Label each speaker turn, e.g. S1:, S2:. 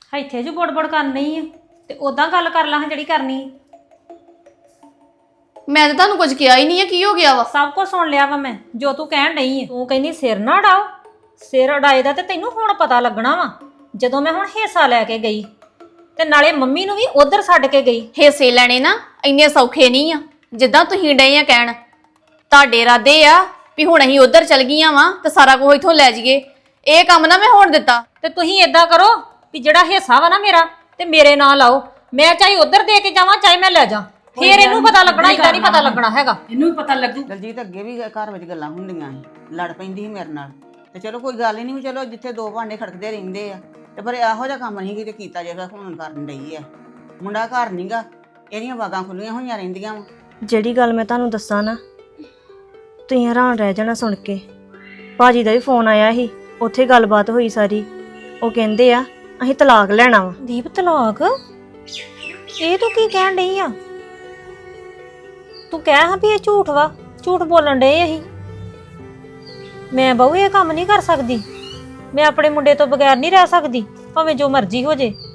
S1: ਇੱਥੇ ਜੋ ਬੜਬੜ ਕਰਨੀ ਆ ਤੇ ਉਦਾਂ ਗੱਲ ਕਰ ਲਾਂ ਜਿਹੜੀ ਕਰਨੀ ਆ।
S2: ਮੈਂ ਤਾਂ ਤੁਹਾਨੂੰ ਕੁਝ ਕਿਹਾ ਹੀ ਨਹੀਂ ਆ, ਕੀ ਹੋ ਗਿਆ ਵਾ?
S1: ਸਭ ਕੁਝ ਸੁਣ ਲਿਆ ਵਾ ਮੈਂ ਜੋ ਤੂੰ ਕਹਿਣ ਡਈ ਆ। ਤੂੰ ਕਹਿੰਦੀ ਸਿਰ ਨਾ ਅਡਾਓ, ਸਿਰ ਅਡਾਏ ਦਾ ਤੇ ਤੈਨੂੰ ਹੁਣ ਪਤਾ ਲੱਗਣਾ ਵਾ ਜਦੋਂ ਮੈਂ ਹੁਣ ਹਿੱਸਾ ਲੈ ਕੇ ਗਈ ਤੇ ਨਾਲੇ ਮੰਮੀ ਨੂੰ ਵੀ ਉਧਰ ਛੱਡ ਕੇ ਗਈ।
S2: ਹਿੱਸੇ ਲੈਣੇ ਨਾ ਇੰਨੇ ਸੌਖੇ ਨਹੀਂ ਆ ਜਿੱਦਾਂ ਤੁਸੀਂ ਡਏ ਆ ਕਹਿਣ। ਤੁਹਾਡੇ ਇਰਾਦੇ ਆ ਵੀ ਹੁਣ ਅਸੀਂ ਉਧਰ ਚਲ ਗਈਆਂ ਵਾਂ ਤੇ ਸਾਰਾ ਕੁਝ ਇਥੋਂ ਲੈ ਜਾਈਏ। ਇਹ ਕੰਮ ਨਾ ਮੈਂ ਹੋਣ ਦਿੱਤਾ।
S1: ਤੇ ਤੁਸੀਂ ਏਦਾਂ ਕਰੋ ਵੀ ਜਿਹੜਾ ਹਿੱਸਾ ਵਾ ਨਾ ਮੇਰਾ ਤੇ ਮੇਰੇ ਨਾਂ ਲਾਓ। ਮੈਂ ਚਾਹੇ ਉਧਰ ਦੇ ਕੇ ਜਾਵਾਂ ਚਾਹੇ ਮੈਂ ਲੈ ਜਾ, ਫੇਰ ਇਹਨੂੰ ਪਤਾ ਲੱਗਣਾ, ਇਦਾਂ ਨਹੀਂ ਪਤਾ ਲੱਗਣਾ ਹੈਗਾ।
S3: ਇਹਨੂੰ ਵੀ ਪਤਾ ਲੱਗੂ।
S4: ਦਲਜੀਤ ਅੱਗੇ ਵੀ ਘਰ ਵਿੱਚ ਗੱਲਾਂ ਹੁੰਦੀਆਂ ਸੀ, ਲੜ ਪੈਂਦੀ ਸੀ ਮੇਰੇ ਨਾਲ ਤੇ ਚਲੋ ਕੋਈ ਗੱਲ ਹੀ ਨਹੀਂ। ਚਲੋ ਜਿੱਥੇ ਦੋ ਭਾਂਡੇ ਖੜਕਦੇ ਰਹਿੰਦੇ ਆ ਤੇ ਪਰ ਇਹੋ ਜਿਹਾ ਕੰਮ ਨਹੀਂ ਕਿਤੇ ਕੀਤਾ ਜਿਹੜਾ ਹੁਣ ਕਰਨ ਡਈ ਆ। ਮੁੰਡਾ ਘਰ ਨਹੀਂਗਾ, ਇਹਦੀਆਂ ਬਾਗਾਂ ਖੁੱਲੀਆਂ ਹੋਈਆਂ ਰਹਿੰਦੀਆਂ ਵਾ।
S5: ਜਿਹੜੀ ਗੱਲ ਮੈਂ ਤੁਹਾਨੂੰ ਦੱਸਾਂ ਨਾ ਤੁਸੀਂ ਹੈਰਾਨ ਰਹਿ ਜਾਣਾ ਸੁਣ ਕੇ। ਭਾਜੀ ਦਾ ਵੀ ਫੋਨ ਆਇਆ ਸੀ, ਉੱਥੇ ਗੱਲਬਾਤ ਹੋਈ ਸਾਰੀ। ਉਹ ਕਹਿੰਦੇ ਆ ਅਸੀਂ ਤਲਾਕ ਲੈਣਾ ਵਾ।
S1: ਦੀਪ ਤਲਾਕ? ਇਹ ਤੂੰ ਕੀ ਕਹਿਣ ਡਈ ਆ? ਤੂੰ ਕਹਿ ਹਾਂ ਵੀ ਇਹ ਝੂਠ ਵਾ, ਝੂਠ ਬੋਲਣ ਡਏ ਅਸੀਂ। ਮੈਂ ਬਹੂ ਇਹ ਕੰਮ ਨਹੀਂ ਕਰ ਸਕਦੀ, ਮੈਂ ਆਪਣੇ ਮੁੰਡੇ ਤੋਂ ਬਗੈਰ ਨਹੀਂ ਰਹਿ ਸਕਦੀ ਭਾਵੇਂ ਜੋ ਮਰਜ਼ੀ ਹੋ ਜੇ।